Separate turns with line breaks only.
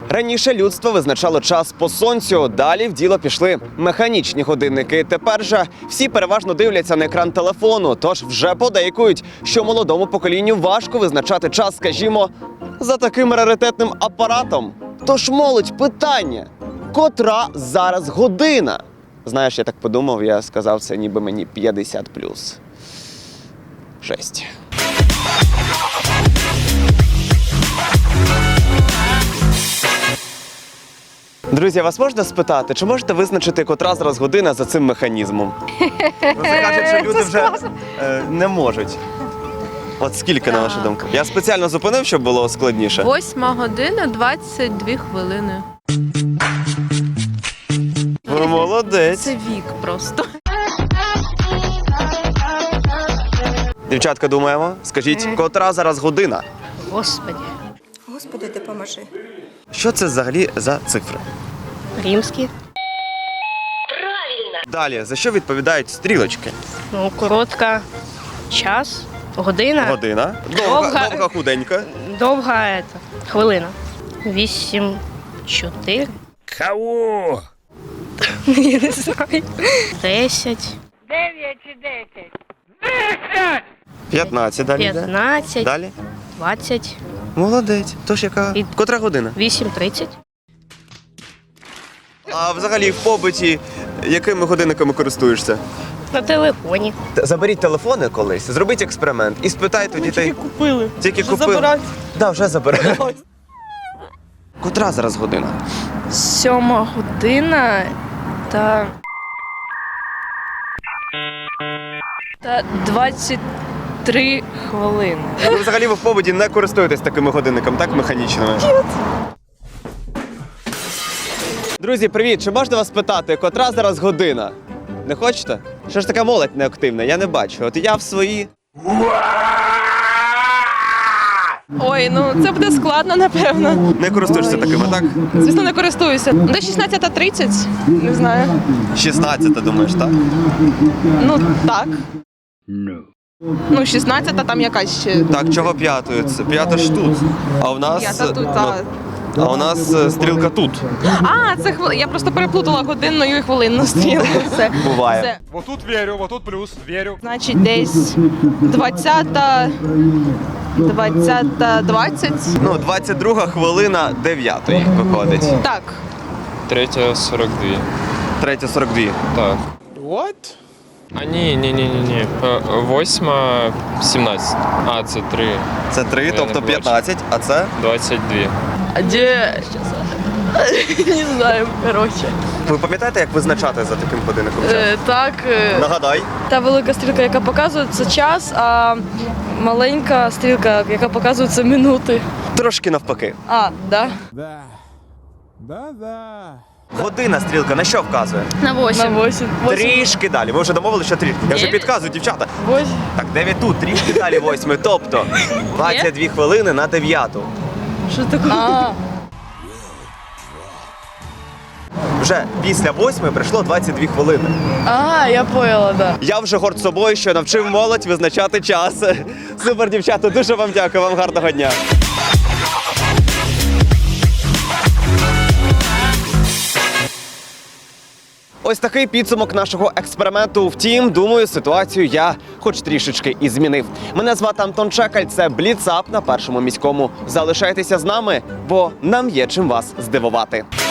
Раніше людство визначало час по сонцю, далі в діло пішли механічні годинники. Тепер же всі переважно дивляться на екран телефону, тож вже подейкують, що молодому поколінню важко визначати час, скажімо, за таким раритетним апаратом. Тож, молодь, питання, котра зараз година? Знаєш, я так подумав, я сказав, це ніби мені 50+. Жесть. Друзі, вас можна спитати, чи можете визначити, котра зараз година за цим механізмом? Ну, це кажуть, що люди вже не можуть. От скільки, на вашу думку? Я спеціально зупинив, щоб було складніше.
8:22.
Ви молодець.
Це вік просто.
Дівчатка, думаємо? Скажіть, котра зараз година?
Господи.
Господи, допоможи.
Що це взагалі за цифри?
Римські.
Далі, за що відповідають стрілочки?
Ну, коротка. Час. Година.
Година. Довга худенька.
Довга хвилина. 8, 4.
Кого?
Я не знаю. 10.
15 далі.
15.
Далі.
20.
Молодець. Тож яка? Котра година?
8:30.
А взагалі в побуті якими годинниками користуєшся?
На телефоні.
Заберіть телефони колись, зробіть експеримент і спитайте у дітей.
Тільки купили.
Тільки
Вже
купили?
забирають.
Да, вже забирають. Котра зараз година?
7:00 та 23 хвилини.
Ви взагалі в побуті не користуєтесь такими годинниками, так, механічними? Друзі, привіт! Чи можна вас питати, котра зараз година? Не хочете? Що ж така молодь неактивна? Я не бачу. От я в свої.
Ой, ну це буде складно, напевно.
Не користуєшся такими, так?
Звісно, не користуюся. Десь 16:30, не знаю.
16, думаєш, так?
Ну, так. Ну, 16 там якась ще.
Так, чого п'ятою? Це п'ята ж тут. А у нас.
П'ята тут,
ну, а у нас стрілка тут.
А, це я просто переплутала годинну і хвилинну стрілку. Все.
Буває.
Все.
Вот тут верю, вот тут плюс, верю.
Значить, десь 20:20.
Ну, 22 хвилина 9 виходить.
Так.
3:42.
3:42.
Так.
What?
А ні. 8:17. А, це 3.
Це 3,
Я
тобто
не бачу.
15, а це?
22.
А де? Не знаю, коротше.
Ви пам'ятаєте, як визначати за таким годинником час?
Так,
Нагадай.
та велика стрілка, яка показує, це час, а маленька стрілка, яка показує, це минути.
Трошки навпаки.
А, да?
Година стрілка на що вказує?
На 8. На 8.
Трішки далі. Ви вже домовилися, що трішки. Я вже підказую, дівчата.
8.
Так, 9 тут, трішки далі 8. Тобто 22 хвилини на 9.
Що таке? А,
Вже після 8 прийшло 22 хвилини.
я поняла, да.
Я вже горд собою, що навчив молодь визначати час. Супер, дівчата, дуже вам дякую, вам гарного дня. Ось такий підсумок нашого експерименту. Втім, думаю, ситуацію я хоч трішечки і змінив. Мене звати Антон Чекаль, це Бліцап на Першому міському. Залишайтеся з нами, бо нам є чим вас здивувати.